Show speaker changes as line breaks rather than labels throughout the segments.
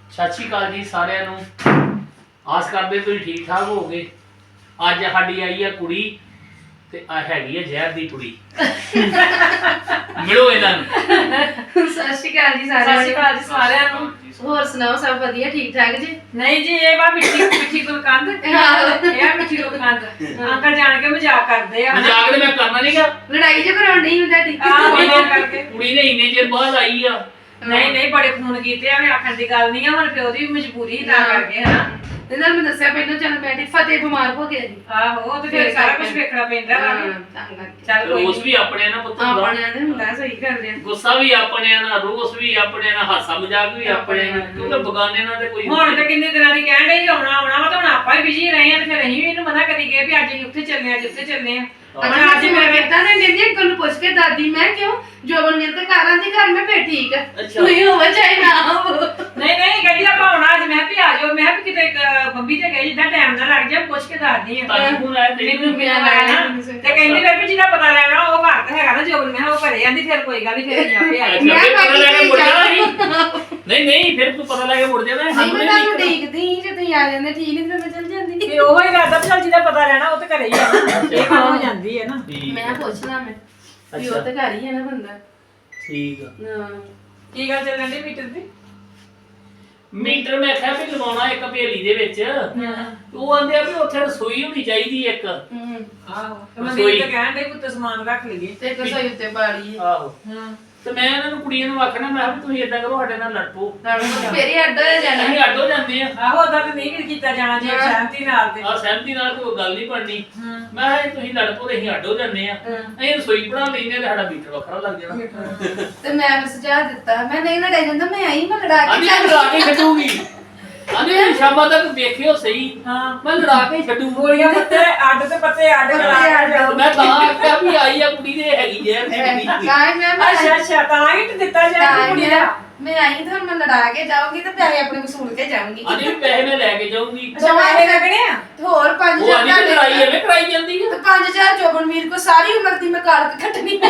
ਸਤਿ ਸ਼੍ਰੀ ਅਕਾਲ ਜੀ ਸਾਰਿਆਂ ਨੂੰ। ਆਸ ਕਰਦੇ ਤੁਸੀਂ ਠੀਕ ਠਾਕ ਹੋਵੋਗੇ। ਅੱਜ ਸਾਡੀ ਆਈ ਆ ਕੁੜੀ ਤੇ ਆ ਹੈਗੀ ਆ ਜ਼ਹਿਰ ਦੀ ਕੁੜੀ। ਮਿਲੋ ਇਹਨਾਂ ਨੂੰ।
ਸਤਿ ਸ਼੍ਰੀ ਅਕਾਲ ਜੀ ਸਾਰਿਆਂ ਨੂੰ। ਹੋਰ ਸੁਣਾਓ, ਸਭ ਵਧੀਆ ਠੀਕ ਠਾਕ ਜੀ?
ਨਹੀਂ ਜੀ, ਇਹ ਵਾ ਮਿੱਠੀ ਗੁਲਕੰਦ, ਇਹ ਮਿੱਠੀ ਗੁਲਕੰਦ। ਅੰਕਲ ਜਾਣ ਕੇ ਮਜ਼ਾਕ ਕਰਦੇ ਆ।
ਮਜ਼ਾਕ ਤੇ ਮੈਂ ਕਰਨਾ ਨਹੀਂਗਾ।
ਲੜਾਈ ਜੋ ਕਰਾਉਣੀ ਹੁੰਦਾ ਤੁਹਾਡੀ।
ਕਰਕੇ
ਕੁੜੀ ਨੇ ਇੰਨੇ ਚਿਰ ਬਾਅਦ ਆਈ ਆ।
ਨਹੀਂ ਬੜੇ ਫੋਨ ਕੀਤੇ ਆ, ਮੈਂ ਆਖਣ ਦੀ ਗੱਲ ਨਹੀਂ ਆ, ਹੁਣ ਪਿਓ ਦੀ ਵੀ ਮਜਬੂਰੀ ਤਾਂ ਕਰਕੇ ਹਨਾ।
ਤੇ ਨਾਲ ਮੈਂ ਦੱਸਿਆ ਪਹਿਲਾਂ ਚੱਲ ਬੈਠੀ ਫਤਿਹ ਬਿਮਾਰ ਹੋ ਗਿਆ ਜੀ।
ਆਹੋ, ਤੇ ਫਿਰ ਸਾਰਾ ਕੁਝ ਵੇਖਣਾ ਪੈਂਦਾ ਵਾ। ਚੱਲ ਕੋਈ
ਰੋਸ ਵੀ ਆਪਣੇ ਨਾ ਪੁੱਤ ਹੁੰਦਾ।
ਆਪਣਿਆਂ ਦੇ ਹੁੰਦਾ, ਸਹੀ ਗੱਲ ਹੈ।
ਗੁੱਸਾ ਵੀ ਆਪਣੇ ਨਾਲ, ਰੋਸ ਵੀ ਆਪਣੇ ਨਾਲ, ਹਾਸਾ ਮਜ਼ਾਕ ਵੀ ਆਪਣੇ ਨਾਲ, ਕਿਉਂਕਿ ਬਗਾਨੇ ਨਾਲ ਤੇ ਕੋਈ
ਹੁਣ ਤੇ ਕਿੰਨੇ ਦਿਨਾਂ ਦੀ ਕਹਿਣ ਡਈ ਆਉਣਾ ਵਾ, ਤਾਂ ਹੁਣ ਆਪਾਂ ਹੀ ਬਿਜੀ ਰਹੇ ਆ, ਤੇ ਫਿਰ ਅਸੀਂ ਵੀ ਇਹਨੂੰ ਮਨਾ ਕਰੀ ਗਏ ਵੀ ਅੱਜ ਅਸੀਂ ਉੱਥੇ ਚੱਲੇ ਆ, ਜਿੱਥੇ ਚੱਲੇ ਆ।
ਅੱਜ ਮੈਂ ਵੇਖਦਾ ਨੇ ਨਿੰਦੀ ਅੰਕਲ ਨੂੰ ਪੁੱਛ ਕੇ ਦਾਦੀ ਮੈਂ ਕਿਉਂ ਜੋਬਨਵੀਰ ਦੇ ਘਰ ਆਂਦੀ ਘਰ ਮੈਂ ਫੇਰ ਠੀਕ ਆ। ਤੁਸੀਂ ਹੋਵੇ ਚਾਹੇ ਨਾ ਹੋਵੋ।
ਨਹੀਂ ਕਹਿੰਦੀ ਆਪਾਂ ਆਉਣਾ ਅੱਜ। ਮੈਂ ਵੀ ਆ ਜਾਓ, ਮੈਂ ਵੀ ਕਿਤੇ ਬੰਬੀ ਤੇ ਗਈ, ਜਿੱਦਾਂ ਟਾਈਮ ਨਾ ਲੱਗ ਜਾ, ਪੁੱਛ ਕੇ ਦੱਸਦੀ ਆ। ਮੈਨੂੰ ਮਿਲਣਾ ਤੇ ਕਹਿੰਦੀ ਫਿਰ ਵੀ ਜਿਹਦਾ ਪਤਾ ਲੈਣਾ ਉਹ ਘਰ ਤੇ ਹੈਗਾ ਨਾ ਜੋਬਨ। ਮੈਂ ਉਹ ਘਰੇ ਆਂਦੀ ਫਿਰ ਕੋਈ ਗੱਲ ਨਹੀਂ, ਫਿਰ ਅਸੀਂ ਆਪੇ ਆ
ਨਹੀਂ ਫਿਰ ਤੂੰ ਪਤਾ ਲੈ ਕੇ ਮੁੜ ਜਾਣਾ।
ਨਹੀਂ ਮੈਂ ਤੁਹਾਨੂੰ ਦੇਖਦੀ ਜੇ ਤੁਸੀਂ ਆ ਜਾਂਦੇ ਠੀਕ ਨਹੀਂ ਤੇ ਮੈਂ ਚੱਲ ਜਾਂਦੀ।
ਤੇ ਉਹ ਹੀ ਰਾਦਾ ਚੱਲ ਜਿਹਦਾ ਪਤਾ ਲੈਣਾ ਉਹ ਤੇ ਘਰੇ ਹੀ ਆ। ਇਹ ਕੰਮ ਹੋ ਜਾਂਦੀ ਹੈ ਨਾ।
ਮੈਂ ਪੁੱਛਣਾ ਮੈਂ ਵੀ ਉਹ ਤੇ ਘਰ ਹੀ ਹੈ ਨਾ ਬੰਦਾ।
ਠੀਕ ਆ।
ਕੀ ਗੱਲ ਚੱਲਣ ਦੀ ਮੀਟਰ ਦੀ?
ਮੀਟਰ ਮੈਂ ਕਿਹਾ ਵੀ ਲਵਾਉਣਾ ਇੱਕ ਭੇਲੀ ਦੇ ਵਿੱਚ। ਉਹ ਆਂਦੇ ਆ ਵੀ ਉੱਥੇ ਰਸੋਈ ਹੋਣੀ ਚਾਹੀਦੀ ਇੱਕ।
ਆਹੋ, ਤੇ ਮੈਂ ਤਾਂ ਕਹਿਣ ਡਈ ਪੁੱਤ ਸਮਾਨ ਰੱਖ ਲਈਏ
ਤੇ ਰਸੋਈ ਉੱਤੇ ਬਾੜੀ ਹੈ।
ਆਹੋ ਤੇ ਮੈਂ ਇਹਨਾਂ ਨੂੰ ਕੁੜੀਆਂ ਨੂੰ ਆਖਣਾ, ਮੈਂ ਕਿਹਾ ਵੀ ਤੁਸੀਂ ਏਦਾਂ ਕਰੋ, ਸਾਡੇ ਨਾਲ ਲੜ ਪਓ।
ਫੇਰ ਹੀ ਅੱਡ ਹੋ ਜਾਣਾ।
ਅਸੀਂ ਅੱਡ ਹੋ ਜਾਂਦੇ ਆ।
ਆਹੋ, ਉਦਾਂ ਤਾਂ ਨਹੀਂ ਕੀਤਾ ਜਾਣਾ ਜੇ ਸਹਿਮਤੀ ਨਾਲ ਤੇ।
ਆ ਸਹਿਮਤੀ ਨਾਲ ਕੋਈ ਗੱਲ ਨਹੀਂ ਬਣਨੀ। ਮੈਂ ਕਿਹਾ ਜੇ ਤੁਸੀਂ ਲੜ ਪਓ ਤੇ ਅਸੀਂ ਅੱਡ ਹੋ ਜਾਂਦੇ ਆ। ਅਸੀਂ ਰਸੋਈ ਬਣਾ ਲੈਂਦੇ ਆ ਤੇ ਸਾਡਾ ਮੀਟਰ ਵੱਖਰਾ ਲੱਗ ਜਾਣਾ।
ਤੇ ਮੈਂ ਸੁਝਾਅ ਦਿੱਤਾ, ਮੈਂ ਨਹੀਂ ਲੜਾਈ ਜਾਂਦਾ, ਮੈਂ ਆਈ ਮੈਂ ਲੜਾ ਕੇ
ਲੜਾ ਕੇ ਛੱਡੂਗੀ। ਆਂਦੇ ਸ਼ਾਮਾਂ ਤੱਕ ਵੇਖਿਓ ਸਹੀ। ਮੈਂ ਲੜਾ ਕੇ ਛੱਡੂ।
ਗੋਲੀਆਂ ਪੱਤੇ ਅੱਡ ਤੇ ਪੱਤੇ ਅੱਡ ਕਰਾ ਕੇ।
ਮੈਂ ਤਾਂ ਆਖਿਆ ਵੀ ਆਈ ਆ ਕੁੜੀ ਦੇ ਹੈਗੀ ਜੇ
ਕਾਹ ਮੈਂ
ਅੱਛਾ ਤਾਂ ਹੀ ਦਿੱਤਾ ਜਾਏ ਕੁੜੀ ਦਾ।
ਮੈਂ ਆਈ ਤਾਂ ਮੈਂ ਲੜਾ ਕੇ ਜਾਊਂਗੀ ਤੇ ਪੈਸੇ ਆਪਣੇ ਵਸੂਲ ਕੇ ਜਾਊਂਗੀ।
ਆਂਦੇ ਪੈਸੇ ਮੈਂ ਲੈ ਕੇ ਜਾਊਂਗੀ।
ਜਮਾਏ ਲੱਗਣੇ ਆ
ਹੋਰ 5000
ਉਹ ਆਂਦੀ ਲੜਾਈ ਐਵੇਂ ਕਰਾਈ ਜਾਂਦੀ ਆ।
ਤੇ 5000 ਜੋਬਨਵੀਰ ਕੋ ਸਾਰੀ ਉਮਰ ਦੀ ਮੈਂ ਕਾਲਕ ਕੱਟਣੀ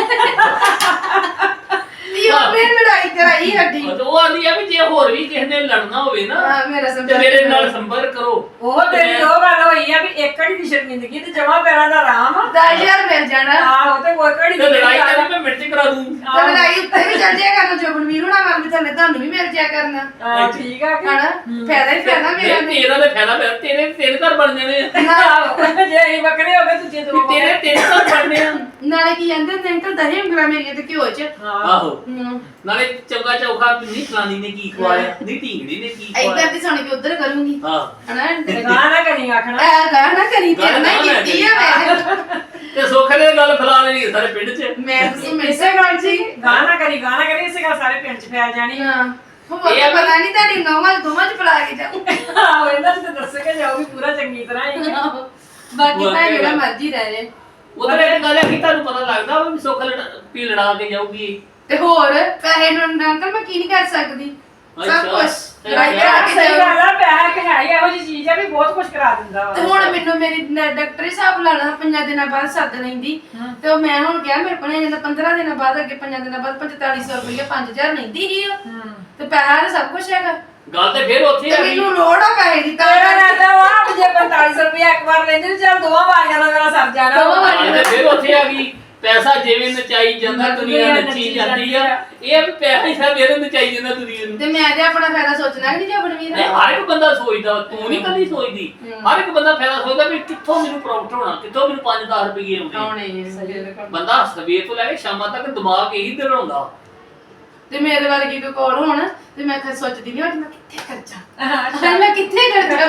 ਨੀ ਉਹ ਮੇਰੀ ਲੜਾਈ ਕਰਾਈ ਹੱਡੀ।
ਉਹ ਆਂਦੀ ਆ ਵੀ ਜੇ ਹੋਰ ਵੀ ਕਿਸੇ ਨੇ ਲੜਨਾ ਹੋਵੇ ਨਾ
ਮੇਰਾ
ਤੇ ਮੇਰੇ ਨਾਲ ਸੰਪਰਕ ਕਰੋ।
ਉਹ ਤੇਰੀ ਉਹ ਗੱਲ ਹੋਈ ਆ ਵੀ ਇੱਕ ਘੜੀ ਦੀ ਸ਼ਰਮਿੰਦਗੀ ਤੇ ਜਮਾ ਪੈਰਾਂ ਦਾ ਆਰਾਮ ਆ।
10000 ਮਿਲ ਜਾਣਾ।
ਆਹੋ, ਤੇ ਕੋਈ ਘੜੀ
ਤੇ ਲੜਾਈ ਕਰੀ ਮੈਂ ਮਿੰਟ ਚ ਕਰਾ ਦੂੰ।
ਤੇ ਲੜਾਈ ਉੱਤੇ ਵੀ ਚੱਲ ਜਾਇਆ ਕਰਨਾ, ਜੋਬਨਵੀਰ ਹੋਣਾ ਵੱਲ ਵੀ ਥੱਲੇ ਤੁਹਾਨੂੰ ਵੀ ਮਿਲ ਜਾਇਆ ਕਰਨਾ।
ਠੀਕ ਆ
ਹਣਾ ਫਾਇਦਾ ਹੀ ਫਾਇਦਾ ਮੇਰਾ।
ਤੇਰਾ ਤੇ ਫਾਇਦਾ ਪਿਆ, ਤੇਰੇ ਘਰ ਬਣ ਜਾਣੇ ਆ।
ਆਹੋ, ਜੇ ਅਸੀਂ ਵੱਖਰੇ ਹੋ ਗਏ ਦੂਜੇ ਦੋ
ਤੇਰੇ ਘਰ ਬਣਨੇ ਆ।
ਨਾਲੇ ਕੀ ਕਹਿੰਦੇ ਨੇ ਅੰਕਲ ਦਹੀਂ ਉਂਗਲਾਂ ਮੇਰੀਆਂ ਤੇ ਘਿਓ ਚ।
ਆਹੋ ਨਾਲੇ ਚੌਗਾ ਚੌਖਾ ਨਹੀਂ ਫਲਾਨੀ ਨੇ ਕੀ ਖਵਾਇਆ, ਨਹੀਂ ਢੀਂਗੜੀ ਨੇ ਕੀ ਖਵਾਇਆ।
ਇੱਧਰ ਦੀ ਸੁਣ ਕੇ ਉੱਧਰ ਕਰੂੰਗੀ।
ਹਾਂ
ਹਣਾ
ਗਾਹ ਨਾ ਕਰੀ ਆਖਣਾ।
ਗਾਹ ਨਾ ਕਰੀ, ਤੇਰੇ ਨਾਲ ਕੀਤੀ ਆ ਮੈਂ।
ਤੇ ਸੁੱਖ ਨੇ ਗੱਲ ਫਲਾ ਲੈਣੀ ਸਾਰੇ ਪਿੰਡ 'ਚ।
ਮੈਂ ਤੁਸੀਂ ਮਿਲਸੇ ਗੱਲ ਸੀ।
ਗਾਹ ਨਾ ਕਰੀ ਇਸੇ ਗੱਲ ਸਾਰੇ ਪਿੰਡ 'ਚ ਫੈਲ ਜਾਣੀ।
ਹਾਂ ਉਹ ਪਤਾ ਨਹੀਂ ਤੁਹਾਡੀ ਨੌਵਾਂ ਦੋਵਾਂ 'ਚ ਫਲਾ ਕੇ ਜਾਊਂ।
ਆਹੋ, ਇਹਨਾਂ 'ਚ ਤਾਂ ਦੱਸੇ ਕੇ ਜਾਊਗੀ ਪੂਰਾ ਚੰਗੀ ਤਰ੍ਹਾਂ ਹੀ।
ਬਾਕੀ ਭਾਵੇਂ ਜਿਹੜਾ ਮਰਜ਼ੀ ਰਹਿ ਜੇ।
ਉਧਰ ਇਹ ਗੱਲ ਹੈ ਕਿ ਤੁਹਾਨੂੰ ਪਤਾ ਲੱਗਦਾ ਵੀ ਸੁੱਖ ਵੀ ਲੜਾ ਕੇ ਜਾਊਗੀ।
ਤੇ ਹੋਰ ਪੈਸੇ ਨੂੰ ਅੰਕਲ ਮੈਂ ਕੀ ਨਹੀਂ ਕਰ ਸਕਦੀ। ਸਭ ਕੁਛ ਲੜਾਈ ਕਰਾ ਕੇ
ਸਹੀ
ਜਾਊਂ।
ਗੱਲ ਆ, ਪੈਸਾ ਕਿ ਹੈ ਹੀ ਇਹੋ ਜਿਹੀ ਚੀਜ਼ ਆ ਵੀ ਬਹੁਤ ਕੁਝ ਕਰਾ ਦਿੰਦਾ ਵਾ।
ਤੇ ਹੁਣ ਮੈਨੂੰ ਮੇਰੀ ਡਾਕਟਰ ਹਿਸਾਬ ਲਾਣਾ 5 ਦਿਨਾਂ ਬਾਅਦ ਸੱਦ ਲੈਂਦੀ। ਤੇ ਉਹ ਮੈਂ ਹੁਣ ਕਿਹਾ ਮੇਰੇ ਕੋਲ ਜਾਂਦਾ 15 ਦਿਨਾਂ ਬਾਅਦ, ਅੱਗੇ 5 ਦਿਨਾਂ ਬਾਅਦ 4500 ਰੁਪਏ 5000 ਲੈਂਦੀ ਸੀ ਉਹ। ਤੇ ਪੈਸਾ ਤਾਂ ਸਭ ਕੁਝ ਹੈਗਾ।
ਗੱਲ ਤੇ ਫਿਰ ਉੱਥੇ
ਤੇ ਮੈਨੂੰ ਲੋੜ ਆ ਪੈਸੇ ਦੀ। ਤਾਂ
ਤੇਰਾ ਰਹਿੰਦਾ ਵਾ ਜੇ 4500 ਰੁਪਏ ਇੱਕ ਵਾਰ ਲੈਂਦੇ ਤੇ ਚੱਲ ਦੋਵਾਂ ਵਾਰੀਆਂ ਨਾਲ ਮੇਰਾ ਸਰ ਜਾਣਾ।
ਗੱਲ ਤੇ ਫਿਰ ਉੱਥੇ ਆ ਗਈ। ਪੈਸਾ ਜਿਵੇਂ ਨਚਾਈ ਜਾਂਦਾ ਦੁਨੀਆ ਨੱਚੀ ਜਾਂਦੀ ਆ। ਇਹ ਵੀ ਪੈਸਾ ਹੀ ਸਭ ਇਹਨੂੰ ਨਚਾਈ ਜਾਂਦਾ ਦੁਨੀਆ ਨੂੰ।
ਤੇ ਮੈਂ ਤੇ ਆਪਣਾ ਫਾਇਦਾ ਸੋਚਣਾ ਨਹੀਂ ਜਬਨਵੀਰ।
ਹਰ ਇੱਕ ਬੰਦਾ ਸੋਚਦਾ, ਤੂੰ ਨਹੀਂ ਕਦੀ ਸੋਚਦੀ। ਹਰ ਇੱਕ ਬੰਦਾ ਫਾਇਦਾ ਸੋਚਦਾ ਵੀ ਕਿੱਥੋਂ ਮੈਨੂੰ ਪ੍ਰੋਫਿਟ ਹੋਣਾ, ਕਿੱਥੋਂ ਮੈਨੂੰ 5-10 ਰੁਪਏ ਆਉਣੇ। ਬੰਦਾ ਸਵੇਰ ਤੋਂ ਲੈ ਕੇ ਸ਼ਾਮਾਂ ਤੱਕ ਦਿਮਾਗ ਇਹੀ ਦੜਾਉਂਦਾ।
ਤੇ ਮੇਰੇ ਵਰਗੀ ਕੋਈ ਕੋਲ ਹੋਣ ਤੇ ਮੈਂ ਸੋਚਦੀ ਨਹੀਂ ਮੈਂ ਕਿੱਥੇ ਖਰਚਾ। ਮੈਂ ਕਿੱਥੇ ਖਰਚਾ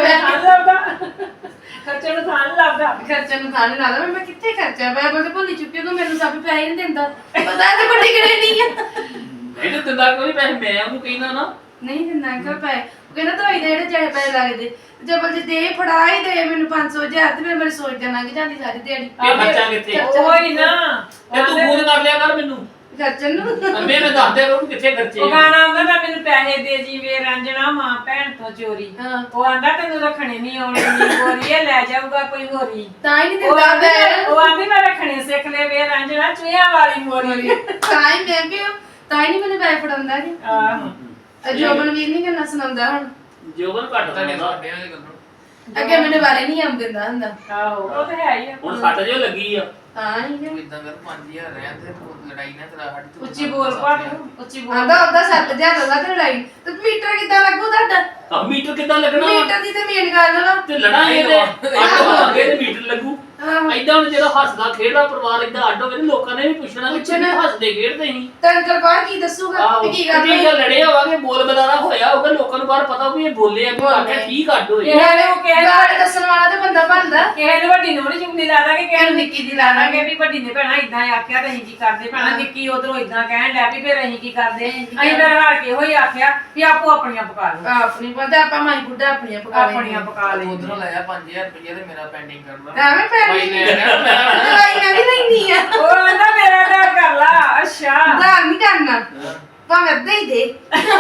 ਖਰਚੇ ਨੂੰ ਥਾਂ ਨੀ ਲੱਭਦਾ।
ਖਰਚੇ ਨੂੰ ਥਾਂ ਨੀ ਲੱਗਦਾ। ਮੈਂ ਕਿੱਥੇ ਖਰਚਾ ਮੈਂ ਬਸ ਭੁੱਲੀ ਚੁੱਕੀ ਉਹਨੂੰ। ਮੈਨੂੰ ਸਭ ਪੈਸੇ ਨਹੀਂ ਦਿੰਦਾ। ਪਤਾ ਤੇ ਵੱਡੀ ਕਿਹੜੇ ਨਹੀਂ ਆ।
ਨਹੀਂ ਦਿੰਦਾ ਕੋਈ ਪੈਸੇ। ਮੈਂ ਉਹਨੂੰ ਕਹਿੰਦਾ ਨਾ
ਨਹੀਂ ਦਿੰਦਾ ਅੰਕਲ ਪੈਸੇ। ਉਹ ਕਹਿੰਦਾ ਦਵਾਈ ਦੇ ਜਿਹੜੇ ਚਾਹੇ ਪੈਸੇ ਲੱਗਦੇ ਜਬਲ ਜੀ ਦੇ ਫੜਾ ਹੀ ਦੇ ਮੈਨੂੰ 500,000 ਤੇ ਫਿਰ ਮੇਰੀ ਸੋਚ ਤੇ ਲੰਘ ਜਾਂਦੀ ਸਾਰੀ ਦਿਹਾੜੀ।
ਇਹ ਖਰਚਾ ਕਿੱਥੇ
ਉਹੀ ਨਾ
ਇਹ ਤੂੰ ਫੋਨ ਕਰ ਲਿਆ ਕਰ ਮੈਨੂੰ।
ਖਰਚਣ ਨੂੰ
ਮੈਂ ਦੱਸ ਦਿਆ ਕਰੂੰ ਕਿੱਥੇ ਖਰਚੇ।
ਉਹ ਗਾਣਾ ਆਉਂਦਾ ਤਾਂ ਮੈਨੂੰ ਪੈਸੇ ਦੇ ਜੀਵੇ ਰੰਜਣਾ ਮਾਂ ਭੈਣ ਤੋਂ ਚੋਰੀ। ਉਹ ਆਂਦਾ ਤੈਨੂੰ ਰੱਖਣੇ ਨਹੀਂ ਆਉਣੇ ਨੀ ਗੋਰੀਏ ਲੈ ਜਾਊਗਾ ਕੋਈ ਹੋਰੀ।
ਤਾਂ ਹੀ ਨਹੀਂ ਦਿੰਦਾ।
ਉਹ ਆਂਦੀ ਮੈਂ ਰੱਖਣੇ ਸਿੱਖ ਲੈ ਵੇ ਰੰਜਣਾ ਚੂਹਿਆਂ ਵਾਲੀ ਮੋਰੀ।
ਤਾਂ ਹੀ ਮੈਂ ਵੀ ਤਾਂ ਹੀ ਨਹੀਂ ਮੈਨੂੰ ਪੈਸੇ ਫੜਾਉਂਦਾ ਜੀ।
ਆਹੋ
ਜੋਬਨਵੀਰ ਨਹੀਂ ਕਿੰਨਾ ਸੁਣਾਉਂਦਾ ਹੁਣ
ਜੋਬਨ ਘੱਟ
ਤੁਹਾਡੇ
ਹੁੰਦਾ
ਸਾਡਿਆਂ ਦੇ ਗੱਲੋਂ
ਅੱਗੇ ਮੈਨੂੰ ਬਾਰੇ ਨਹੀਂ ਆਮ ਦਿੰਦਾ ਹੁੰਦਾ
ਆਹੋ ਉਹ ਤਾਂ ਹੈ ਹੀ ਆ
ਹੁਣ ਸੱਟ ਜੋ ਲੱਗੀ ਆ
ਹਾਂ ਹੀ
ਤੂੰ ਇਦਾਂ ਕਰ 5000 ਰਹਿਣ ਤੇ ਲੜਾਈ ਨਾ ਕਰਾ ਸਾਡੀ ਤੂੰ
ਉੱਚੀ ਬੋਲ ਪਾ ਉੱਚੀ ਬੋਲ
ਆਂਦਾ ਉਹਦਾ 7000 ਦਾ ਤੇ ਲੜਾਈ ਤੇ ਮੀਟਰ ਕਿੱਦਾਂ ਲੱਗੂ ਤੁਹਾਡਾ
ਆ ਮੀਟਰ ਕਿੱਦਾਂ ਲੱਗਣਾ ਵਾ?
ਮੀਟਰ ਦੀ ਤੇ ਮੇਨ ਗੱਲ ਵਾ
ਤੇ ਲੜਾਂਗੇ ਤੇ ਅੱਡ ਅੱਗੇ ਤੇ ਮੀਟਰ ਲੱਗੂ
ਆਹੋ।
ਐਦਾਂ ਹੁਣ ਜਦੋਂ ਹੱਸਦਾ ਖੇਡਦਾ ਪਰਿਵਾਰ ਏਦਾਂ ਅੱਡ ਹੋਵੇ ਤੇ ਲੋਕਾਂ ਨੇ ਵੀ ਪੁੱਛਣਾ ਕਿ ਕਿੰਨੇ ਹੱਸਦੇ ਖੇਡਦੇ ਸੀ
ਤੇ ਅੰਕਲ ਬਾਹਰ ਕੀ ਦੱਸੂਗਾ
ਆਹੋ
ਵੀ ਕੀ ਗੱਲ
ਜੇ
ਹੋਈ?
ਲੜੇ ਹੋਵਾਂਗੇ ਬੋਲ ਬਦਾਰਾ ਹੋਇਆ ਹੋਊਗਾ ਲੋਕਾਂ ਨੂੰ ਬਾਹਰ ਪਤਾ ਵੀ ਇਹ ਬੋਲੇ ਆ ਵੀ ਆਖਿਆ ਠੀਕ ਅੱਡ ਹੋਏ
ਨਾਲੇ ਉਹ ਕਹਿ
ਗਾਲ ਦੱਸਣ ਵਾਲਾ ਤੇ ਬੰਦਾ ਬਣਦਾ
ਕਿਸੇ ਨੂੰ ਵੱਡੀ ਨੂੰ ਨਹੀਂ ਚੁੰਨੀ ਲਾ ਦਾਂਗੇ ਕਿਸੇ ਨੂੰ
ਨਿੱਕੀ ਦੀ ਲਾ ਦਾਂਗੇ।
ਵੀ ਵੱਡੀ ਨੇ ਭੈਣਾ ਇਦਾਂ ਆਖਿਆ ਤੇ ਅਸੀਂ ਕੀ ਕਰਦੇ ਭੈਣਾ ਨਿੱਕੀ ਉਧਰੋਂ ਇਦਾਂ ਕਹਿਣ ਲੱਗ ਪਈ ਫਿਰ ਅਸੀਂ ਕੀ ਕਰਦੇ ਅਸੀਂ ਫਿਰ ਹਾਰ ਕੇ ਹੋਈ ਆਖਿਆ ਵੀ ਆਪੋ ਆਪਣੀਆਂ ਪਕਾ ਲਓ
ਆਪਣੀ ਪਤਾ ਆਪਾਂ ਮਾਈ ਬੁੱਢਾ ਆਪਣੀਆਂ ਪਕਾ ਲੈਂਦੇ
ਆਪਣੀਆਂ ਪਕਾ ਲਈ
ਉਧਰੋਂ ਲਾਇਆ 5000 ਰੁਪਏ ਤੇ ਮੇਰਾ ਪੈਂਡਿੰਗ ਕਰ ਲਾ
ਐਵੇਂ ਪੈਣੀ
ਭਾਈ ਨੇ ਕਹਿਣਾ
ਦਵਾਈ ਮੈਂ ਵੀ ਲੈਣੀ ਆ
ਉਹ ਕਹਿੰਦਾ ਮੇਰਾ ਦਾ ਕਰ ਲਾ ਅੱਛਾ
ਦਾਨ ਨਹੀਂ ਕਰਨਾ ਭਾਵੇਂ ਅੱਧੇ ਹੀ ਦੇ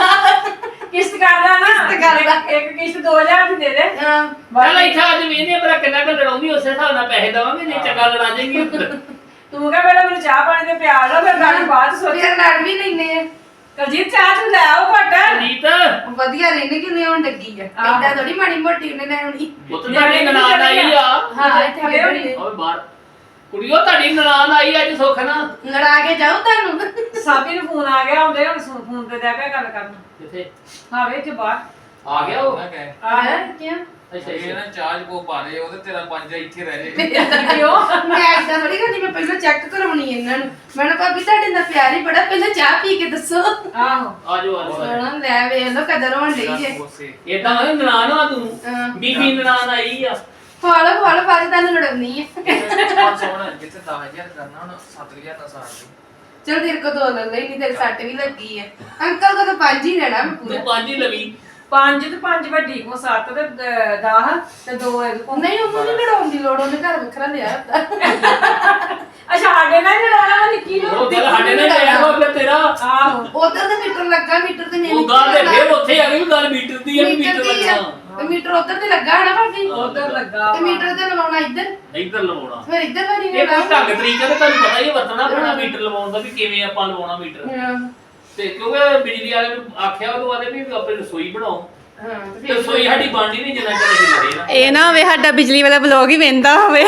ਕਿਸ਼ਤ ਕਰ ਲਾ ਨਾ
ਕਿਸ਼ਤ ਕਰ ਲਾ।
ਇੱਕ ਕਿਸ਼ਤ 2000 ਦੀ ਦੇ ਦੇ
ਹਾਂ
ਪਹਿਲਾਂ ਇੱਥੇ ਅੱਜ ਵੇਨੇ ਪਰ ਕਿੰਨਾ ਕੁ ਲੜਾਉਂਦੀ ਉਸੇ ਹਿਸਾਬ ਨਾਲ ਪੈਸੇ ਦੇਵਾਂਗੇ ਜੇ ਚੰਗਾ ਲੜਾ ਜਾਏਗੀ
ਤੂੰ ਕਹ ਪਹਿਲਾਂ ਮੈਨੂੰ ਚਾਹ ਪਾਣੀ ਤੇ ਪਿਆ ਲਓ ਫਿਰ ਗੱਲ ਬਾਅਦ ਚ ਸੋਚੀ
ਫਿਰ ਲੜ ਵੀ ਲੈਨੇ ਆ
ਕਲਜੀਤ ਚਾਹ ਤੂੰ ਲੈ ਆਓ ਘਟ
ਰੀਤ
ਵਧੀਆ ਰਹਿੰਦੇ ਕਿੰਨੇ ਹੁਣ ਲੱਗੀ ਆ ਏਦਾਂ ਥੋੜੀ ਮਾੜੀ ਮੋਟੀ ਉਹਨੇ ਲੈਣੀ
ਉਹ ਤਾਂ ਤੁਹਾਡੀ ਨਨਾਣ ਆਈ ਆ
ਹਾਂ ਇੱਥੇ
ਖੜੇ ਹੋਣੀ।
ਖੜੇ
ਓਏ ਬਾਹਰ ਕੁੜੀਓ ਤੁਹਾਡੀ ਨਨਾਣ ਆਈ ਅੱਜ ਸੁੱਖ ਨਾ
ਲੜਾ ਕੇ ਜਾਓ ਤੁਹਾਨੂੰ
ਸਾਬੀ ਨੂੰ ਫੋਨ ਆ ਗਿਆ ਹੁੰਦੇ ਹੁਣ ਫੋਨ ਤੇ ਜਾ ਕੇ ਗੱਲ ਕਰਨ
ਕਿੱਥੇ
ਹਾਂ ਵੇ ਚ ਬਾਹਰ
ਆ ਗਿਆ ਉਹ
ਮੈਂ ਕਹੇ
ਆਇਆ ਕਿਉਂ
ਅੱਛਾ
ਇਹ
ਅੱਛਾ
ਨਾ ਚਾਰਜ ਕੋ ਪਾ ਦੇ ਉਹਦੇ ਤੇਰਾ 5 ਇੱਥੇ ਰਹਿ ਜੇ
ਕਿਉਂ
ਮੈਂ ਏਦਾਂ ਥੋੜੀ ਕਰਨੀ ਮੈਂ ਪਹਿਲਾਂ ਚੈੱਕ ਕਰਾਉਣੀ ਇਹਨਾਂ ਨੂੰ ਮੈਂ ਕਿਹਾ ਭਾਬੀ ਤੁਹਾਡੇ ਨਾਲ ਪਿਆਰ ਹੀ ਬੜਾ ਪਹਿਲਾਂ ਚਾਹ ਪੀ ਕੇ ਦੱਸੋ
ਆਹੋ
ਆਜੋ ਆਜੋ
ਸੋਹਣਾ ਲੈ ਵੇਖ ਲੋ ਕਦਰ ਹੋਣ ਲਈ ਜੇ
ਕੋਸੇ
ਇਦਾਂ ਹੋਏ ਨਨਾਣ ਆ ਤੂੰ
ਹਾਂ।
ਬੀਬੀ ਨਨਾਣ ਆਈ ਆ
ਫਾਲੋ ਬਾਅਦ ਤੁਹਾਨੂੰ ਲੜਾਉਣੀ ਹੈ
ਸੋਹਣਾ ਜਿੱਥੇ 10000 ਕਰਨਾ ਹੁਣ 7000 ਦਾ ਸਾਰ ਦੇ
ਚਲ ਤੇਰੇ ਕੋ ਦੋ ਲੈ ਲਈ ਨਹੀਂ ਤੇਰੇ ਸੱਟ ਵੀ ਲੱਗੀ ਹੈ ਅੰਕਲ ਕੋ ਤਾਂ 5 ਹੀ ਲੈਣਾ ਮੈਂ
ਤੂੰ
ਪੂਰਾ
ਪੰਜ ਹੀ ਲਵੀ
5 ਤੇ 5 ਵੱਡੀ ਕੋ 7 ਤੇ 10 ਤੇ 2 ਇਹਦੇ ਕੋ
ਨਹੀਂ ਉਹਨੂੰ ਨਹੀਂ ਲੜਾਉਣ ਦੀ ਲੋੜ ਉਹਨੇ ਘਰ ਵੱਖਰਾ ਲਿਆ ਹੁੰਦਾ
ਅੱਛਾ ਸਾਡੇ ਨਾਲ ਹੀ ਲੜਾਉਣਾ ਵਾ ਨਿੱਕੀ ਨੂੰ
ਉਹ ਗੱਲ ਸਾਡੇ ਨਾਲ ਲਿਆ ਹੋ ਫਿਰ ਤੇਰਾ
ਆਹੋ
ਉਧਰ ਤੇ ਮੀਟਰ ਲੱਗਾ ਮੀਟਰ ਤੇ ਨਹੀਂ
ਉਹ ਗੱਲ ਤੇ ਫਿਰ ਉੱਥੇ ਆ ਗਈ ਵੀ ਗੱਲ ਮੀਟਰ ਦੀ ਆ ਵੀ ਮੀਟਰ ਲੱਗਣਾ
ਤੇ ਮੀਟਰ ਉਧਰ ਤੇ ਲੱਗਾ ਹੈ ਨਾ ਭਾਬੀ
ਉਧਰ ਲੱਗਾ
ਤੇ ਮੀਟਰ ਤੇ ਲਵਾਉਣਾ ਇੱਧਰ
ਇੱਧਰ ਲਵਾਉਣਾ
ਫਿਰ ਇੱਧਰ ਵਾਰੀ
ਇਹ ਕੋਈ ਢੰਗ ਤਰੀਕਾ ਤੇ ਤੁਹਾਨੂੰ ਪਤਾ ਹੀ ਆ ਵਰਤਣਾ ਪੈਣਾ ਮੀਟਰ ਲਵਾਉਣ ਦਾ ਵੀ ਕਿਵੇਂ ਆਪਾਂ ਲਵਾਉਣਾ ਮੀਟਰ ਤੇ ਕਿਉਂਕਿ ਬਿਜਲੀ ਵਾਲੇ ਨੂੰ ਆਖਿਆ ਉਹ ਆਦੇ ਵੀ ਆਪਣੀ ਰਸੋਈ ਬਣਾਓ ਤੇ ਰਸੋਈ ਸਾਡੀ ਬਣਨੀ ਨਹੀਂ ਜਿੰਨਾ ਚਿਰ ਅਸੀਂ ਲੜੇ ਨਾ
ਇਹ ਨਾ ਹੋਵੇ ਸਾਡਾ ਬਿਜਲੀ ਵਾਲਾ ਬਲੌਗ ਹੀ ਵੇਂਦਾ ਹੋਵੇ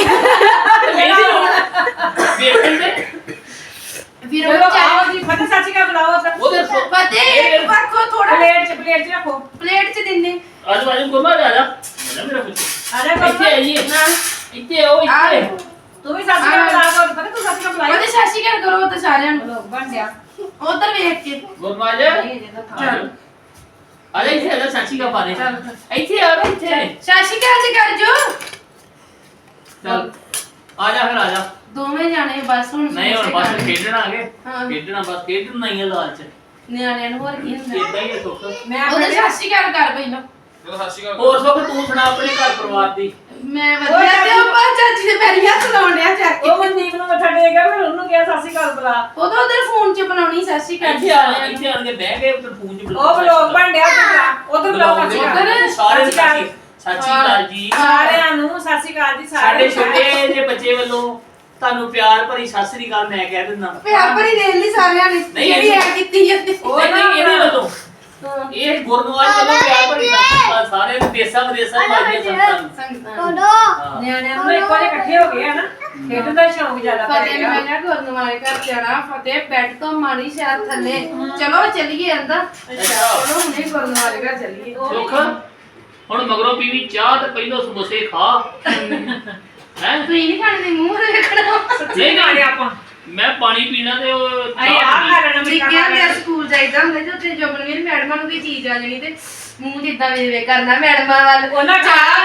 ਵੇਖਣ ਦੇ
ਫਿਰ
ਚਲੋ
ਉਹ ਚਾਹ
ਆਓ ਜੀ ਫਤਿਹ ਸਾਚੀ ਕਾ ਬੁਲਾਓ ਸਰ
ਉਹਦੇ
ਫਤਿਹ ਇੱਕ ਵਾਰ ਥੋੜਾ
ਪਲੇਟ ਚ ਰੱਖੋ
ਪਲੇਟ ਚ ਦਿੰਨੇ
ਆਜੋ ਆਜੋ ਗੁਰਮਾ ਜਾ ਜਾ ਮੇਰਾ ਪੁੱਤ
ਆ ਜਾ
ਇੱਥੇ ਆਈਏ ਇੱਥੇ ਆਓ ਇੱਥੇ
ਤੂੰ ਵੀ ਸਾਚੀ ਕਾ ਬੁਲਾ ਕੋ ਪਤਾ ਤੂੰ ਸਾਚੀ ਕਾ ਬੁਲਾਈ
ਉਹਦੇ ਸਾਸ਼ੀ ਕਰ ਕਰੋ ਤੇ ਸਾਰਿਆਂ ਨੂੰ
ਬਣ ਗਿਆ
ਉਧਰ ਵੇਖ ਕੇ
ਗੁਰਮਾ ਜਾ ਚੱਲ ਆ ਜਾ ਇੱਥੇ ਆ ਜਾ ਸਾਚੀ ਕਾ ਪਾ ਦੇ ਇੱਥੇ ਆ ਜਾ ਇੱਥੇ
ਸਾਸ਼ੀ ਕਰ ਜੀ ਕਰ ਜੋ
ਚੱਲ ਆ ਜਾ ਫਿਰ ਆ ਜਾ
ਦੋਵੇਂ ਜਾਣੇ ਬਸ ਹੁਣ
ਨਹੀਂ ਹੁਣ ਬਸ ਖੇਡਣਾ ਆ ਗਏ
ਹਾਂ।
ਖੇਡਣਾ ਬਸ ਖੇਡਣਾ ਹੀ ਆ ਲਾਲਚ
ਨਿਆਣਿਆਂ ਨੂੰ ਹੋਰ ਕੀ ਹੁੰਦਾ
ਇਦਾਂ ਹੀ ਆ ਸੁੱਖ
ਮੈਂ
ਉਹਦੇ ਸਾਸ਼ੀ ਕਰ ਕਰ ਪਹਿਲਾਂ
ਚਲੋ ਸਤਿ ਸ਼੍ਰੀ ਅਕਾਲ
ਹੋਰ ਸੁੱਖ ਤੂੰ ਸੁਣਾ ਆਪਣੇ ਘਰ ਪਰਿਵਾਰ ਦੀ
ਮੈਂ ਵਧੀਆ ਤੇ ਉਹ ਪਾ ਚਾਚੀ ਦੇ ਪੈਰੀ ਹੱਥ ਲਾਉਣ ਡਿਆ ਜਾ ਕੇ
ਉਹ ਮਨਦੀਪ ਨੂੰ ਮੱਥਾ ਟੇਕ ਗਿਆ ਫਿਰ ਉਹਨੂੰ ਕਿਹਾ ਸਾਸੀ ਕਾਲ ਬੁਲਾ
ਉਦੋਂ ਉਧਰ ਫੋਨ 'ਚ ਬਣਾਉਣੀ ਸਾਸ਼ੀ ਕਰ
ਇੱਥੇ ਆ ਇੱਥੇ ਆਣ ਕੇ ਬਹਿ ਗਏ ਉੱਧਰ ਫੋਨ 'ਚ
ਉਹ ਬਲੌਗ ਬਣ ਡਿਆ ਉਧਰ ਬਲੌਗ ਸਾਸੀ
ਬੁਲਾਉਂਦੇ ਸਾਰੇ ਸਾਚੀ ਕਾਲ ਜੀ
ਸਾਰਿਆਂ ਨੂੰ ਸਾਸੀ ਕਾਲ ਜੀ
ਸਾਡੇ ਛੋਟੇ ਜਿਹੇ ਬੱਚੇ ਵੱਲੋਂ ਤੁਹਾਨੂੰ ਪਿਆਰ ਭਰੀ ਸਤਿ ਸ੍ਰੀ ਅਕਾਲ ਮੈਂ ਕਹਿ ਦਿੰਦਾ
ਪਿਆਰ ਭਰੀ ਦੇ ਲਈ ਸਾਰਿਆਂ ਨੇ
ਨਹੀਂ,
ਜਿਹੜੀ ਐ ਕੀਤੀ ਜਾਂਦੀ
ਉਹ
ਨਹੀਂ
ਨਾ
ਇਹਦੇ ਵੱਲੋਂ ਇਹ ਗੁਰਨਵਾਜ ਵੱਲੋਂ ਪਿਆਰ ਭਰੀ ਸਤਿ ਸ੍ਰੀ ਅਕਾਲ ਸਾਰੇ ਨੂੰ ਦੇਸਾਂ ਵਿਦੇਸਾਂ ਵਾਲੀਆਂ ਸੰਗਤਾਂ ਨੂੰ ਹਾਂ।
ਨਿਆਣਿਆਂ ਨੂੰ ਇੱਕ ਵਾਰੀ ਇਕੱਠੇ ਹੋ ਗਏ ਆ ਨਾ ਖੇਡਣ ਦਾ ਸ਼ੌਂਕ ਜ਼ਿਆਦਾ ਪੈ
ਫਤਿਹ
ਗਿਆ
ਨੂੰ ਮੈਂ ਗੁਰਨਵਾਲੇ ਘਰ ਜਾਣਾ ਫਤਿਹ ਬੈੱਡ ਤੋਂ ਮਾਰੀ ਸ਼ਾਇਦ ਥੱਲੇ ਚਲੋ ਚੱਲੀਏ ਅੰਦਰ ਚਲੋ ਹੁਣੇ ਗੁਰਨਵਾਲੇ ਘਰ ਚੱਲੀਏ
ਸੁੱਖ ਹੁਣ ਮਗਰੋਂ ਪੀਵੀ ਚਾਹ ਤੇ ਪਹਿਲੋਂ ਸਮੋਸੇ ਖਾ ਹੈ
ਤੁਸੀਂ ਨਹੀਂ ਖਾਣੇ ਦੇ ਮੂੰਹ ਰੱਖਣਾ
ਨਹੀਂ ਖਾਣੇ ਆਪਾਂ
ਮੈਂ ਪਾਣੀ ਪੀਣਾ ਤੇ ਉਹ
ਅਸੀਂ ਆਹ ਖਾ ਲੈਣਾ ਵੀ
ਜਿੱਕਿਆਂ ਦੇ ਸਕੂਲ ਜਾਈਦਾ ਹੁੰਦਾ ਜੇ ਉੱਥੇ ਜੋਬਨਵੀਰ ਮੈਡਮਾਂ ਨੂੰ ਕੋਈ ਚੀਜ਼ ਆ ਜਾਣੀ ਤੇ ਮੂੰਹ ਜਿੱਦਾਂ ਵੇ ਕਰਨਾ ਮੈਡਮਾਂ ਵੱਲ
ਉਹਨਾਂ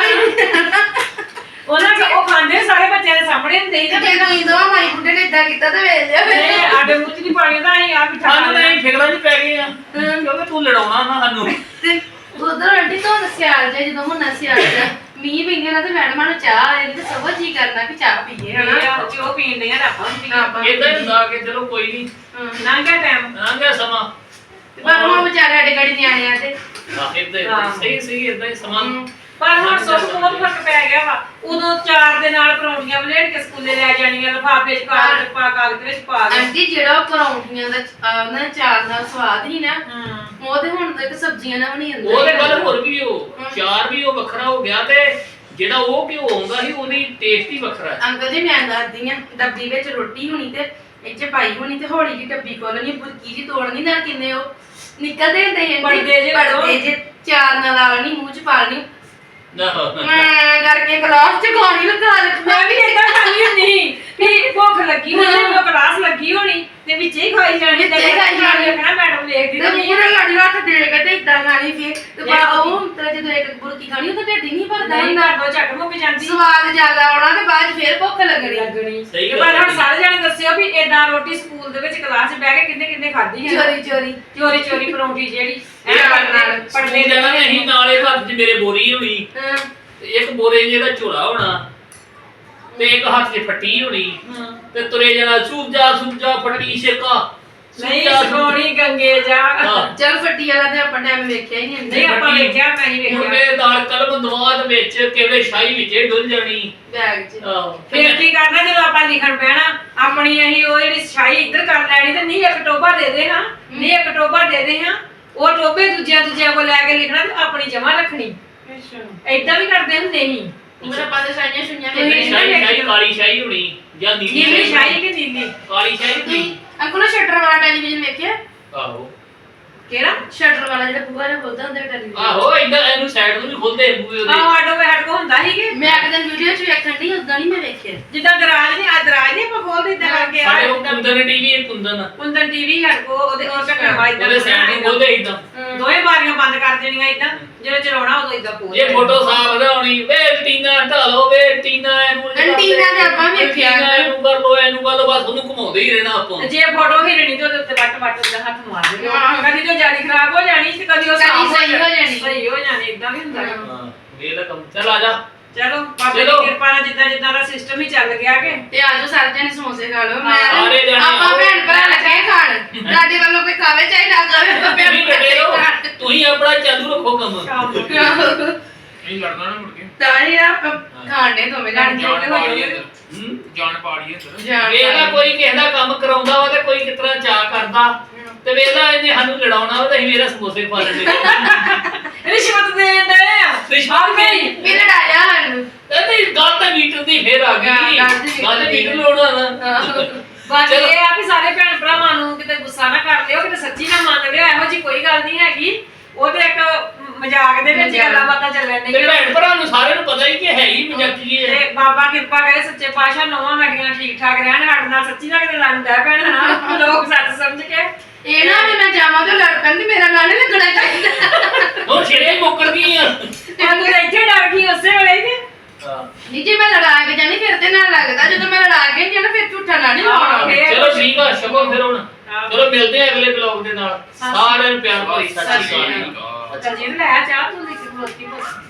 ਉਹਨਾਂ ਕਿ ਉਹ ਖਾਂਦੇ ਸਾਰੇ ਬੱਚਿਆਂ ਦੇ ਸਾਹਮਣੇ ਹੁੰਦੇ ਹੀ
ਤੇ
ਨਾ
ਜਦੋਂ ਇੰਦੋਂ ਮਾਈ ਬੁੱਢੇ ਨੇ ਇਦਾਂ ਕੀਤਾ ਤੇ ਵੇਖ ਲਿਆ ਫਿਰ
ਨਹੀਂ ਆਡੇ ਮੂੰਹ ਚ ਨਹੀਂ ਪਾਣੀ ਦਾ ਅਸੀਂ ਆ ਬਿਠਾ
ਸਾਨੂੰ
ਲੈਣਾ
ਨਹੀਂ ਫਿਕਰਾਂ 'ਚ ਪੈ ਗਏ ਆ ਕਿਉਂਕਿ ਤੂੰ ਲੜਾਉਣਾ ਨਾ ਸਾਨੂੰ
ਤੇ ਉਧਰ ਆਂਟੀ ਤੋਂ ਸਿਆਲ ਜੇ ਜਦੋਂ ਹੁਣ ਸਿਆਲ ਚ ਮੀਂਹ ਪੈਂਦੇ ਨਾ ਤੇ ਮੈਡਮਾਂ ਨੂੰ ਚਾਹ ਆ ਜਾਂਦੀ ਤੇ ਸਭ ਜੀ ਕਰਨਾ ਕਿ ਚਾਹ ਪੀਏ ਹਨਾ
ਜੋ ਪੀਣ ਦੀਆਂ ਆਪਾਂ ਵੀ
ਆਪਾਂ
ਇਦਾਂ ਹੀ ਹੁੰਦਾ ਕਿ ਚਲੋ ਕੋਈ ਨਹੀਂ
ਲੰਘਿਆ ਟਾਈਮ
ਲੰਘ ਗਿਆ ਸਮਾਂ
ਪਰ ਉਹ ਵਿਚਾਰੇ ਸਾਡੇ ਗੜੀ ਨਿਆਣਿਆਂ ਤੇ
ਇਦਾਂ ਸਹੀ ਇਦਾਂ ਹੀ ਸਮਾਂ
ਪਰ ਹੁਣ ਸੁੱਖ ਬਹੁਤ ਫਰਕ ਪੈ ਗਿਆ ਵਾ ਉਦੋਂ 4 ਦੇ ਨਾਲ ਪਰੌਂਠੀਆਂ ਬਲੇਡ ਕੇ ਸਕੂਲੇ ਲੈ ਜਾਣੀਆਂ ਲਿਫਾਫੇ ਚ ਕਾਗਜ਼ ਵਿੱਚ ਪਾ ਕੇ
ਆਂਟੀ ਜਿਹੜਾ ਪਰੌਂਠੀਆਂ ਦਾ ਉਹਨਾਂ ਚਾਰ ਨਾਲ ਸਵਾਦ ਹੀ ਨਾ ਉਹ ਤੇ ਹੁਣ ਤੱਕ ਸਬਜ਼ੀਆਂ ਨਾਲ ਬਣੀ ਜਾਂਦਾ
ਉਹ ਤੇ ਗੱਲ ਹੋਰ ਵੀ ਉਹ ਚਾਰ ਵੀ ਉਹ ਵੱਖਰਾ ਹੋ ਗਿਆ ਤੇ ਜਿਹੜਾ ਉਹ ਘਿਓ ਆਉਂਦਾ ਸੀ ਉਹਦੀ ਟੇਸਟ ਹੀ ਵੱਖਰਾ ਹੈ।
ਅੰਕਲ ਜੀ ਮੈਂ ਦੱਸਦੀ ਆ ਡੱਬੀ ਵਿੱਚ ਰੋਟੀ ਹੋਣੀ ਤੇ ਇੱਥੇ ਪਾਈ ਹੋਣੀ ਤੇ ਹੌਲੀ ਜਿਹੀ ਡੱਬੀ ਖੋਲਣੀ ਬੁਰਕੀ ਜੀ ਤੋੜਨੀ ਨਾਲ ਕਿੰਨੇ ਉਹ ਨਿਕਲਦੇ ਹੁੰਦੇ ਪੜਦੇ ਜੇ ਚਾਰ ਨਾਲ ਆਲਣੀ ਮੂੰਹ ਚ ਪਾਲਣੀ ਮੈਂ ਕਰਕੇ ਗਲਾਸ ਚ ਗਾਣੀ ਲਗਾ ਰੱਖੀ
ਮੈਂ ਵੀ ਏਦਾਂ ਖਾਣੀ ਹੁੰਦੀ ਵੀ ਭੁੱਖ ਲੱਗੀ ਹੋਣੀ ਉਹ ਕਲਾਸ ਲੱਗੀ ਹੋਣੀ ਤੇ ਵਿੱਚੇ ਹੀ ਖਾਈ ਜਾਣੀ ਤੇ ਕਹਿਣਾ ਮੈਡਮ ਵੇਖਦੀ
ਤੇ ਮੂੰਹ ਨਾਲ ਗਾੜੀ ਹੱਥ ਦੇ ਕੇ ਤੇ ਇਦਾਂ ਖਾਣੀ ਫੇਰ ਤੇ ਉਹ ਤੇਰਾ ਜਦੋਂ ਇੱਕ ਬੁਰਕੀ ਖਾਣੀ ਉਹ ਤਾਂ ਢਿੱਡ ਨਹੀਂ ਭਰਦਾ
ਨਹੀਂ
ਹੁੰਦਾ
ਨਾ ਝੱਟ ਮੁੱਕ ਜਾਂਦੀ
ਸਵਾਦ ਜ਼ਿਆਦਾ ਆਉਣਾ ਤੇ ਬਾਅਦ ਚ ਫੇਰ ਭੁੱਖ ਲੱਗਣੀ
ਸਹੀ
ਪਰ ਹੁਣ ਸਾਰੇ ਜਣੇ ਦੱਸਿਓ ਵੀ ਏਦਾਂ ਰੋਟੀ ਸਕੂਲ ਦੇ ਵਿੱਚ ਕਲਾਸ 'ਚ ਬਹਿ ਕੇ ਕਿੰਨੇ ਖਾਧੀ ਹੈ
ਚੋਰੀ
ਚੋਰੀ ਪਰੌਂਠੀ ਜਿਹੜੀ
ਪੜਨੇ ਜਾਣਾ ਅਸੀਂ ਨਾਲੇ ਹੱਥ 'ਚ ਮੇਰੇ ਬੋਰੀ ਹੋਣੀ ਤੇ ਇੱਕ ਬੋਰੇ ਜਿਹਦਾ ਝੋਲਾ ਹੋਣਾ ਤੇ ਇੱਕ ਹੱਥ 'ਚ ਫੱਟੀ ਹੋਣੀ ਤੇ ਤੁਰੇ ਜਾਣਾ ਸੂਜਾ ਫੱਟੀ ਛੇਕਾ
ਨਹੀਂ ਸੋਣੀ ਗੰਗੇ ਜਾ
ਚਲ ਫੱਟੀ ਵਾਲਾ ਤੇ ਆਪਾਂ ਟਾਈਮ ਵੇਖਿਆ ਹੀ ਨਹੀਂ
ਨਹੀਂ ਆਪਾਂ ਵੇਖਿਆ ਮੈਂ ਹੀ ਵੇਖਿਆ
ਮੁੰਡੇ ਦਾਲ ਕਲਮ ਦਵਾਦ ਵਿੱਚ ਕਿਹੜੇ ਸ਼ਾਹੀ ਵਿੱਚੇ ਡੁੱਲ ਜਾਣੀ
ਬੈਗ 'ਚ
ਫਿਰ ਕੀ ਕਰਨਾ ਜਦੋਂ ਆਪਾਂ ਲਿਖਣ ਪੈਣਾ ਆਪਣੀ ਅਸੀਂ ਉਹ ਜਿਹੜੀ ਸ਼ਾਹੀ ਇੱਧਰ ਕਰ ਲੈਣੀ ਤੇ ਨਹੀਂ ਇੱਕ ਟੋਬਾ ਦੇ ਦੇ ਹਾਂ ਨਹੀਂ ਇੱਕ ਟੋਬਾ ਦੇ ਦੇ ਹਾਂ ਉਹ ਟੋਬੇ ਦੂਜਿਆਂ ਕੋਲ ਲੈ ਕੇ ਲਿਖਣਾ ਤੇ ਆਪਣੀ ਜਮਾ ਰੱਖਣੀ ਏਦਾਂ ਵੀ ਕਰਦੇ ਹੁੰਦੇ ਸੀ
ਮੇਰਾ ਪਾਦੇ ਸਾਈਆਂ ਸੁਣੀਆਂ
ਸ਼ਾਹੀ ਕਾਲੀ ਸ਼ਾਹੀ ਹੋਣੀ ਜਾਂ ਨੀਲੀ
ਨੀਲੀ ਸ਼ਾਹੀ ਕਿ ਨੀਲੀ
ਕਾਲੀ ਸ਼ਾਹੀ ਹੋਣੀ
ਅੰਕਲ ਸ਼ਟਰ ਵਾਲਾ ਟੈਲੀਵਿਜ਼ਨ ਵੇਖਿਆ
ਆਹੋ
ਕਿਹੜਾ
ਸ਼ਟਰ ਵਾਲਾ ਜਿਹੜਾ ਬੂਹਾ ਨਾਲ ਖੁੱਲਦਾ ਹੁੰਦਾ ਟੈਲੀਵਿਜ਼ਨ
ਆਹੋ ਇਦਾਂ ਇਹਨੂੰ ਸਾਈਡ ਨੂੰ ਵੀ ਖੋਲਦੇ ਬੂਏ ਉਹਦੇ
ਆਹ ਆਟੋ ਵੇ ਹਟਕੋ ਹੁੰਦਾ ਸੀ ਕਿ
ਮੈਂ ਇੱਕ ਦਿਨ ਵੀਡੀਓ 'ਚ ਵੇਖਣ ਦੀ ਉਦਾਂ ਨਹੀਂ ਮੈਂ ਵੇਖਿਆ
ਜਿੱਦਾਂ ਦਰਾਜ ਨਹੀਂ ਆਪਾਂ ਖੋਲਦੇ ਇਦਾਂ ਕਰਕੇ
ਸਾਡੇ ਉਹ ਕੁੰਦਨ ਟੀਵੀ ਇਹ ਕੁੰਦਨ
ਟੀਵੀ ਹਟਕੋ ਉਹਦੇ ਉਹ ਢੱਕਣ ਵਾਲਾ ਇਦਾਂ
ਉਹਦੇ ਸਾਈਡ ਨੂੰ ਖੋਲਦੇ ਇਦਾਂ
ਦੋਵੇਂ ਬਾਰੀਆਂ ਬੰਦ ਕਰ ਦੇਣੀਆਂ ਇਦਾਂ ਜਦੋਂ ਚਲਾਉਣਾ ਉਦੋਂ ਇਦਾਂ ਖੋਲ
ਜੇ ਫੋਟੋ ਸਾਫ ਦਿਖਾਉਣੀ ਵੇ ਟੀਨਾ ਢਾਲੋ ਵੇ ਟੀਨਾ ਇਹਨੂੰ
ਐਂਟੀਨਾ ਤੇ ਆਪਾਂ ਵੇਖਿਆ
ਇਹਨੂੰ ਕਰ ਲੋ ਇਹਨੂੰ ਕਰ ਲੋ ਬਸ ਉਹਨੂੰ ਘੁਮਾਉਂਦੇ ਹੀ ਰਹਿਣਾ ਆਪਾਂ
ਜੇ ਫੋਟੋ ਹਿਲਣੀ ਤੇ ਉਹਦੇ ਉੱਤੇ ਵੱਟ ਉਹਦਾ ਹੱਥ ਮਾਰ ਦੇ ਕਦੀ ਜੋ ਜਾਲੀ ਖਰਾਬ ਹੋ ਜਾਣੀ ਤੇ ਕਦੀ ਉਹ ਸਾਫ਼
ਸਹੀ ਹੋ ਜਾਣੀ
ਸਹੀ ਹੋ ਜਾਣੀ ਇਦਾਂ ਵੀ ਹੁੰਦਾ
ਹਾਂ ਵੇਲਾ ਕੰਮ ਚੱਲ ਆ ਜਾ
ਚਲੋ ਬਾਬੇ ਦੀ ਕਿਰਪਾ ਨਾਲ ਜਿੱਦਾਂ ਦਾ ਸਿਸਟਮ ਹੀ ਚੱਲ ਗਿਆ ਕਿ
ਤੇ ਆਜੋ ਸਾਰੇ ਜਣੇ ਸਮੋਸੇ ਖਾ ਲਓ
ਸਾਰੇ ਜਣੇ
ਆਪਾਂ ਭੈਣ ਭਰਾ ਲੱਗੇ ਖਾਣ ਤੁਹਾਡੇ ਵੱਲੋਂ ਕੋਈ ਖਾਵੇ ਚਾਹੇ ਨਾ ਖਾਵੇ ਆਪਾਂ ਭੈਣ
ਤੁਸੀਂ ਡਟੇ ਰਹੋ ਤੁਸੀਂ ਆਪਣਾ ਚਾਲੂ ਰੱਖੋ ਕੰਮ
ਨਹੀਂ ਲੜਨਾ ਨਾ ਮੁੜ ਕੇ
ਤਾਂ ਹੀ ਆਪਾਂ ਖਾਣੇ ਦੋਵੇਂ ਜਾਣੇ
ਜਾਨ ਪਾੜੀਏ ਇੱਧਰ
ਵੇਲਾ ਕੋਈ ਕਿਸੇ ਦਾ ਕੰਮ ਕਰਾਉਂਦਾ ਵਾ ਤੇ ਕੋਈ ਕਿਤਨਾ ਚਾਹ ਕਰਦਾ ਤੇ ਵੇਲਾ ਇਹਨੇ ਸਾਨੂੰ ਲੜਾਉਣਾ ਵਾ ਤੇ ਅਸੀਂ ਮੇਰਾ ਸਮੋਸੇ ਖਾ ਲੈਂਦੇ
ਰਿਸ਼ਵਤ ਦੇਣ ਦੇ ਆ
ਰਿਸ਼ਵਤ
ਨਹੀਂ
ਵੀ ਲੜਾਇਆ ਸਾਨੂੰ
ਨਹੀਂ ਗੱਲ ਤਾਂ ਮੀਟਰ ਦੀ ਫੇਰ ਆ ਗਈ ਗੱਲ ਮੀਟਰ ਲੋੜਾ ਨਾ
ਬਾਕੀ ਇਹ ਆ ਵੀ ਸਾਰੇ ਭੈਣ ਭਰਾਵਾਂ ਨੂੰ ਕਿਤੇ ਗੁੱਸਾ ਨਾ ਕਰ ਲਿਓ ਕਿਤੇ ਸੱਚੀ ਨਾ ਮੰਨ ਲਿਓ ਇਹੋ ਜੀ ਕੋਈ ਗੱਲ ਨਹੀਂ ਹੈਗੀ ਉਹ ਤੇ ਇੱਕ ਮਜ਼ਾਕ ਦੇ ਵਿੱਚ ਗੱਲਾਂ ਬਾਤਾਂ ਚੱਲਣ
ਤੇ
ਡੀਆਂ
ਭੈਣ ਭਰਾ ਨੂੰ ਸਾਰਿਆਂ ਨੂੰ ਪਤਾ ਹੀ ਕਿ ਹੈ ਹੀ ਮਜ਼ਾਕੀ ਹੈ
ਤੇ ਬਾਬਾ ਕਿਰਪਾ ਕਰੇ ਸੱਚੇ ਪਾਤਸ਼ਾਹ ਨੌਵਾਂ ਸਾਡੀਆਂ ਠੀਕ ਠਾਕ ਰਹਿਣ ਸਾਡੇ ਨਾਲ ਸੱਚੀ ਨਾ ਕਿਤੇ ਲੜਦਾ ਭੈਣ ਹਨਾ ਲੋਕ ਸੱਚ ਸਮਝ ਕੇ
ਇਹ ਨਾ ਵੀ ਮੈਂ ਜਾਵਾਂ ਤੇ ਲੜ ਪੈਂਦੀ ਮੇਰਾ ਨਾਂ ਨਹੀਂ ਲੱਗਣਾ ਚਾਹੀਦਾ
ਹੁਣ ਛੇੜੇ ਮੁੱਕਰ ਗਈ ਆ
ਤੂੰ ਤਾਂ ਇੱਥੇ ਡਰ ਗਈ ਉਸੇ ਵੇਲੇ ਕਿ
ਨਹੀਂ ਜੇ ਮੈਂ ਲੜਾ ਕੇ ਜਾਣੀ ਫਿਰ ਤੇ ਨਾ ਲੱਗਦਾ ਜਦੋਂ ਮੈਂ ਲੜਾ ਕੇ ਜਾਣਾ ਫਿਰ ਝੂਠਾ ਨਾ ਨਹੀਂ ਲਾਉਣਾ
ਚਲੋ ਠੀਕ ਆ ਸ਼ਕੋ ਫਿਰ ਹੁਣ ਚਲੋ ਮਿਲਦੇ ਆ ਅਗਲੇ ਬਲੌਗ ਦੇ ਨਾਲ ਸਾਰਿਆਂ ਨੂੰ ਪਿਆਰ ਭਰੀ ਸਤਿ ਸ਼੍ਰੀ ਅਕਾਲ
ਚੱਲ ਜੀ ਲੈ ਚਾਹ ਤੂੰ ਲਿਖ ਕੇ